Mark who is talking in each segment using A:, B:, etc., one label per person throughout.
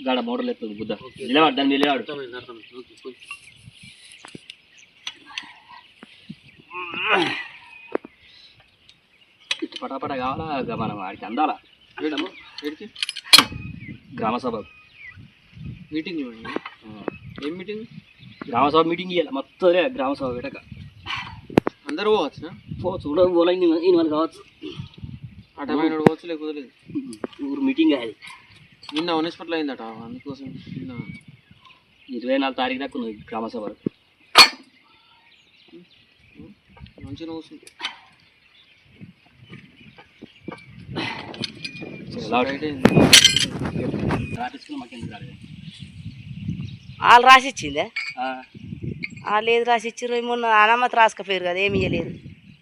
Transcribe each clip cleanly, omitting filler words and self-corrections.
A: గాడ మోటార్లు ఎత్తుంది బుద్ధ నిలవాడు దాన్ని నిలవాడు ఇటు పటాపట కావాలా మనం వాడికి అందాలా గ్రామ సభ
B: మీటింగ్ ఏం మీటింగ్
A: గ్రామసభ మీటింగ్ ఇవ్వాలి మొత్తం గ్రామసభ పెట్టక
B: అందరూ పోవచ్చు
A: చూడదు పోలే ఈయన వాళ్ళు కావచ్చు
B: అటమైన పోవచ్చు లేకపోతే లేదు
A: ఊరు మీటింగ్ అది
B: నిన్న హాస్పిటల్ అయిందట అందుకోసం నిన్న
A: 24 తారీఖు దాకా ఉన్నది గ్రామసభ
B: మంచిగా వస్తుంది
C: వాళ్ళు రాసిచ్చిందే వాళ్ళు ఏది రాసిచ్చారు మొన్న అనామతి రాసుకపోయారు కదా ఏమి ఇవ్వలేదు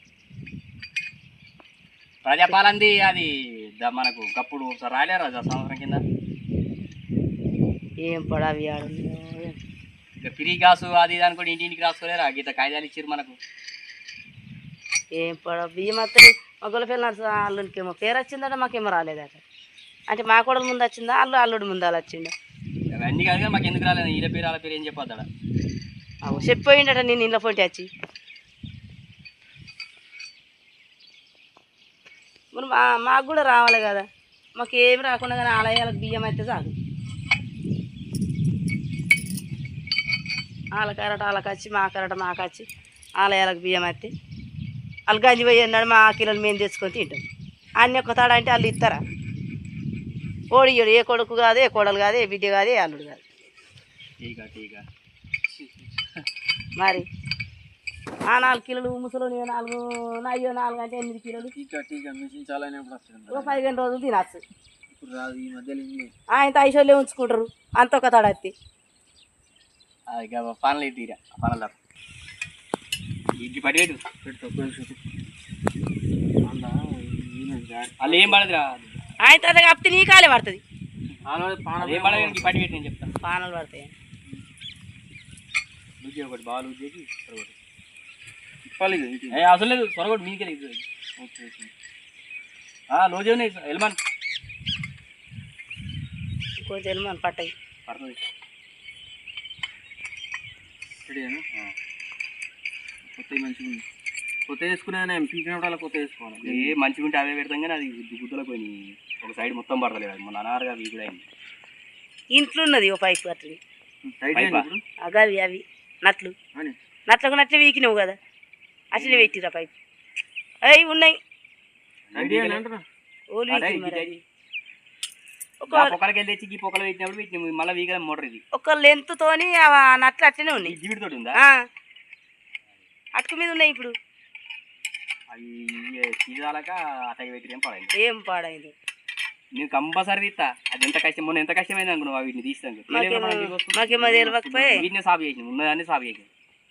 A: ప్రజాపాలంది అది మనకు కప్పుడు ఒకసారి రాలేరు అది సంవత్సరం కింద
C: ఏం పడావి ఆడు
A: ఇక ఫ్రీ గ్యాస్ అది ఇది అనుకోండి ఇంటింటికి రాసుకోలేరా గీత కాగితాలు ఇచ్చారు మనకు
C: ఏం పడ బియ్యం వస్తుంది మా గొల్లపిల్ల అల్లుడికేమో పేరు వచ్చిందట మాకేమో రాలేదట అంటే మా కూడా ముందు వచ్చిందా అల్లుడు ముందు అలా వచ్చిందా
A: అవన్నీ కాదు మాకు ఎందుకు రాలేదు ఈయన పేరు వాళ్ళ పేరు ఏం చెప్పొద్దా
C: చెప్పిపోయిండట నేను ఇంట్లో పోటీ వచ్చి మరి మాకు కూడా రావాలి కదా మాకు ఏమి రాకుండా కానీ ఆలయాలకు బియ్యం అయితే చాలు వాళ్ళ కరట వాళ్ళకి వచ్చి మా కరట మాకు వచ్చి ఆలయాలకు బియ్యం అయితే వాళ్ళు గంజి పోయి అన్నాడు మా కిలోలు మేము తెచ్చుకొని తింటాం అన్నీ ఒక్క తాడ అంటే వాళ్ళు ఇస్తారా ఓడియ్యడు ఏ కొడుకు కాదు ఏ కోడలు కాదు ఏ బిడ్డ కాదు ఏ అల్లుడు కాదు మరి ఆ 4 కిలోలు ముసలు 4 అయ్యో 4 అంటే 8 కిలోలు 15 రోజులు తినచ్చు ఆయన ఐసోలే ఉంచుకుంటారు అంత ఒక తడత్తి
A: పనులు తీరా పనులు ఇంటి పడి వాళ్ళు ఏం పడదురా
C: ఆయన అదే కాకపోతే నీ కాలే పడుతుంది
A: ఏం పడదు పడి పెట్టి నేను చెప్తాను
C: పానలు పడతాయి
A: ఒకటి బాగా లూజ్ చేసి అసలు లేదు త్వరగొట్టు మీకే లోజే ఉన్నాయి ఎల్మాన్
C: కొంచెం ఎల్మాన్ పట్టాయి
A: పడుతుంది
B: కొత్త మంచిగా ఉంది కొత్త వేసుకునే పీకినప్పుడు అలా కొత్త వేసుకోవాలి
A: ఏ మంచిగా ఉంటే అవే పెడతాం కానీ అది గుద్దలకు పోయినాయి ఒక సైడ్ మొత్తం పడతలేదు అది మొన్న అనారుగా అవి కూడా అయింది
C: ఇంట్లో ఉన్నది ఓ పైపు అట్లా అవి అవి నట్లు నట్లకు నట్లు వీకినావు కదా అట్లనే పెట్టిరా పైపు అవి ఉన్నాయి
A: పొక్కలకి వెళ్ళి తెచ్చి పొక్కలు పెట్టినప్పుడు పెట్టినాము మళ్ళీ వీగల మోటర్ ఇది
C: ఒక లెంత్తోని నట్లు అట్లనే ఉన్నాయి
A: జీవితోటి ఉందా
C: అటుకు మీద ఉన్నాయి ఇప్పుడు
A: అవి తీరాలక అటకి పెట్టి
C: ఏం పాడైంది
A: నేను కంపల్సరీ తీస్తా అది ఎంత కష్టం మొన్న ఎంత కష్టమైంది అనుకున్నావు వీటిని తీస్తాను
C: మాకేమో తెలియకపోయి
A: వీటిని సాగు చేసినాం ఉన్నదాన్ని సాగు చేసినాం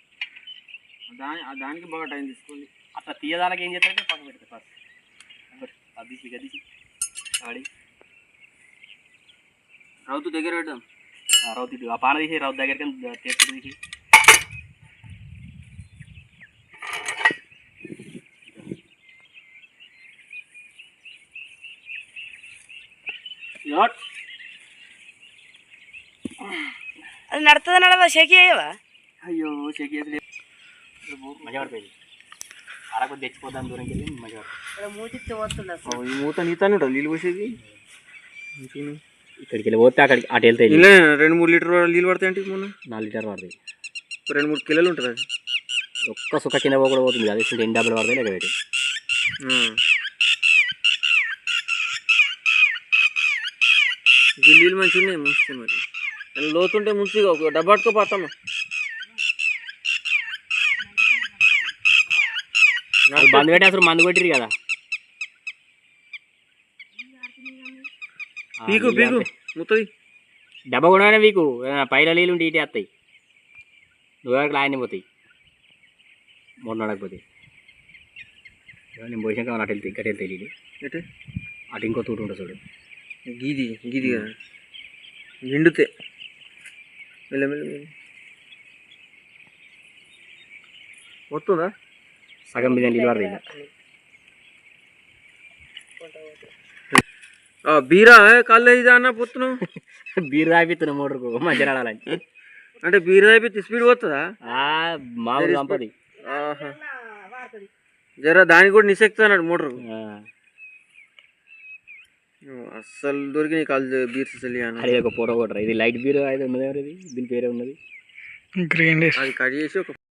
B: దానికి బాగా టైం తీసుకోండి
A: అట్లా తీయదానికి ఏం చేస్తారంటే పక్క పెడతా ఫస్ట్ అది గదిసి ఆడి
B: రౌతు దగ్గర పెట్టాం
A: రౌతు ఆ పాన తీసి రౌతు దగ్గరికి తెచ్చి తీసి
C: అది నడుతుంది నడవా షేక్ అయ్యవా
A: అయ్యో షేక్ చేసి మజా పడిపోయింది అలా కొద్ది తెచ్చిపోతాం దూరంకి వెళ్ళి మజా
C: మూతిస్తే పోతుంది అసలు
B: ఈ మూత నీతానే ఉంటుంది నీళ్ళు పోసేది
A: ఇక్కడికి వెళ్ళి పోతే అక్కడికి అటు వెళ్తాయి
B: 2-3 లీటర్ నీళ్ళు పడతాయి అంటే మొన్న
A: 4 లీటర్ పడతాయి
B: 2-3 కిలోలు ఉంటుంది అది
A: ఒక్క సుఖ కింద కూడా పోతుంది అది ఎన్ని డబ్బులు పడతాయి లేక పెట్టి
B: నీళ్ళు మంచిగా ఉన్నాయి ముంచితే మరి లోతుంటే ముంచిగా ఒక డబ్బాటుకో పోతామా
A: మందు పెట్టి అసలు మందు కొట్టిరు కదా
B: పీకు పీకు ముత్తది
A: డబ్బా కూడా వీకు పైల నీళ్ళు ఉంటే ఇటే వస్తాయి నువ్వు ఆయన పోతాయి మొన్న నడకపోతే నేను పోసాక అటు వెళ్తాయి ఇక్కడ వెళ్తాయి నీళ్ళు
B: ఎటు
A: అటు ఇంకో తూటు ఉంటుంది చూడు
B: గీది గీది కదా నిండుతే మెల్లమెల్ల వస్తుందా
A: సగం మీద నీళ్ళు పడతాయి
B: బీరా కళ్ళు ఇది అన్న పొత్తును
A: బీరు తాగిస్తున్నా మోటార్కు మంచిగా నడాలని.
B: అంటే బీరా అయిపోతే స్పీడ్ పోతుందా?
A: మామూలు సంపది.
B: ఆహా, జరా దానికి కూడా నిశక్తి అన్నాడు మోటార్. అస్సలు దొరికి కాళ్ళు బీర్స్ అసలు
A: అది ఒక ఫోటో కొట్టరా. ఇది లైట్ బీరు అయితే ఉన్నది, ఎవరిది దీని పేరే ఉన్నది.
B: అది కట్ చేసి ఒక